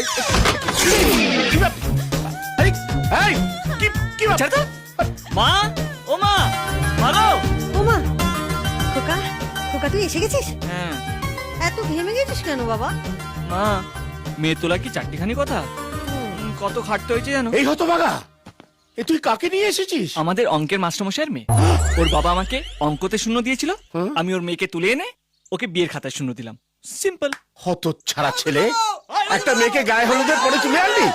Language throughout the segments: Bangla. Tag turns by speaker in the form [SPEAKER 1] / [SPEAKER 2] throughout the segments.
[SPEAKER 1] মা, ও মা, ভালো।
[SPEAKER 2] ও মা, খোকা, খোকা তুই এসে গেছিস?
[SPEAKER 1] হ্যাঁ
[SPEAKER 2] এত ঘেমে গেছিস কেন বাবা?
[SPEAKER 1] মা, মেয়ে তোলা কি চারটিখানি কথা? কত খাটতে হয়েছে জানো?
[SPEAKER 3] এই হতভাগা, এ তুই কাকে নিয়ে এসেছিস?
[SPEAKER 1] আমাদের অঙ্কের মাস্টারমশাইয়ের মেয়ে। ওর বাবা আমাকে অঙ্কতে শূন্য দিয়েছিল, আমি ওর মেয়েকে তুলে এনে ওকে বিয়ের খাতায় শূন্য দিলাম। সিম্পল।
[SPEAKER 3] হতচ্ছাড়া ছেলে, একটা মেয়েকে গায়ে হলুদের পরে তুলে আনলি?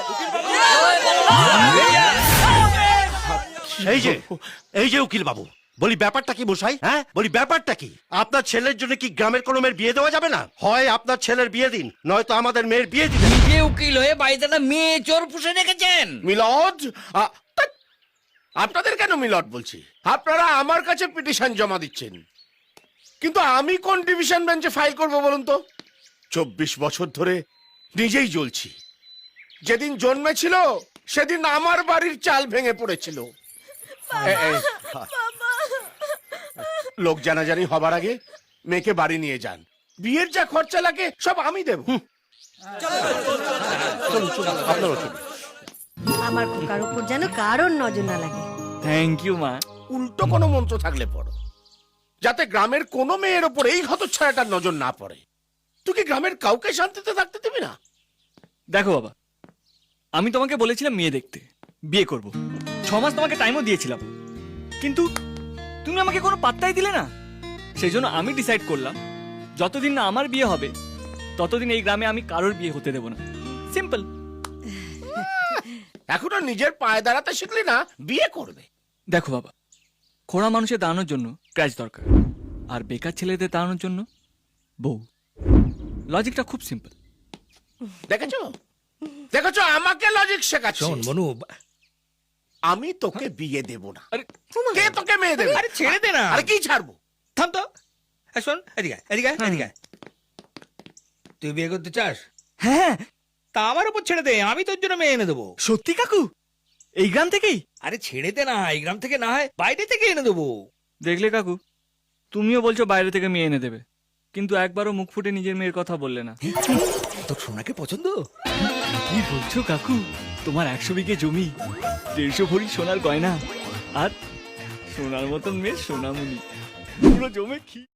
[SPEAKER 4] এই যে উকিল বাবু, বলি ব্যাপারটা কি মশাই? হ্যাঁ বলি ব্যাপারটা কি? আপনার ছেলের জন্য কি গ্রামের কোনো মেয়ের বিয়ে দেওয়া যাবে না? হয় আপনার ছেলের বিয়ে দিন, নয়তো আমাদের মেয়ের বিয়ে দিন।
[SPEAKER 5] নিজে উকিল হয়ে বাড়িতে একটা মেয়ে চোর পুষে রেখেছেন।
[SPEAKER 3] মিলদ, আপনাদের কেন মিলদ বলছি? আপনারা আমার কাছে পিটিশন জমা দিচ্ছেন, কিন্তু আমি কোন ডিভিশন বেঞ্চে ফাইল করব বলুন তো? 24 বছর ধরে নিজেই জ্বলছি। যেদিন জন্মেছিল সেদিন আমার বাড়ির চাল ভেঙে পড়েছিল। লোক জানাজানি হবার আগে মেয়েকে বাড়ি নিয়ে যান, বিয়ের যা খরচা লাগে সব আমি দেব।
[SPEAKER 2] আমার খোকার উপর যেন কারোর নজর না লাগে।
[SPEAKER 1] থ্যাংক ইউ মা।
[SPEAKER 3] উল্টো কোনো মন্ত্র থাকলে পড়ো, যাতে গ্রামের কোনো মেয়ের ওপর এই হতচ্ছাড়াটার নজর না পড়ে। তুই কি গ্রামের কাউকে শান্তিতে থাকতে দিবি না?
[SPEAKER 1] দেখো বাবা, আমি তোমাকে বলেছিলাম মেয়ে দেখতে, বিয়ে করব। 6 মাস তোমাকে টাইমও দিয়েছিলাম, কিন্তু তুমি আমাকে কোনো পাত্তাই দিলে না। সেই জন্য আমি ডিসাইড করলাম, যতদিন না আমার বিয়ে হবে ততদিন এই গ্রামে আমি কারোর বিয়ে হতে দেব না। সিম্পল।
[SPEAKER 3] এখনো নিজের পায়ে দাঁড়াতে শিখলি না, বিয়ে করবে?
[SPEAKER 1] দেখো বাবা, খোড়া মানুষের দাঁড়ানোর জন্য ক্র্যাচ দরকার, আর বেকার ছেলেদের দাঁড়ানোর জন্য বউ। লজিকটা খুব সিম্পল।
[SPEAKER 3] দেখেছো দেখেছো, আমাকে লজিক শেখাচ্ছিস।
[SPEAKER 5] শোন মনু,
[SPEAKER 3] আমি তোকে বিয়ে দেব না।
[SPEAKER 1] আরে
[SPEAKER 3] কে তোকে মেয়ে দেবে?
[SPEAKER 5] আরে ছেড়ে দে না।
[SPEAKER 3] আরে কি ছাড়বো?
[SPEAKER 5] থাম তো। শোন, এদিকে এদিকে এদিকে। তুই বিয়ে করতে চাস?
[SPEAKER 1] হ্যাঁ,
[SPEAKER 5] তা আমার উপর ছেড়ে দে, আমি তোর জন্য মেয়ে এনে দেবো।
[SPEAKER 1] সত্যি কাকু? এই গ্রাম থেকেই?
[SPEAKER 5] আরে ছেড়ে দে না, এই গ্রাম থেকে না হয় বাইরে থেকে এনে দেবো।
[SPEAKER 1] দেখলে কাকু, তুমিও বলছো বাইরে থেকে মেয়ে এনে দেবে, কিন্তু একবারও মুখ ফুটে নিজের মেয়ের কথা বললে না।
[SPEAKER 5] তোর সোনাকে পছন্দ?
[SPEAKER 1] কি বলছো কাকু? তোমার 100 বিঘে জমি, 150 ভরি সোনার গয়না, আর সোনার মতন মেয়ে সোনামণি, পুরো জমে কি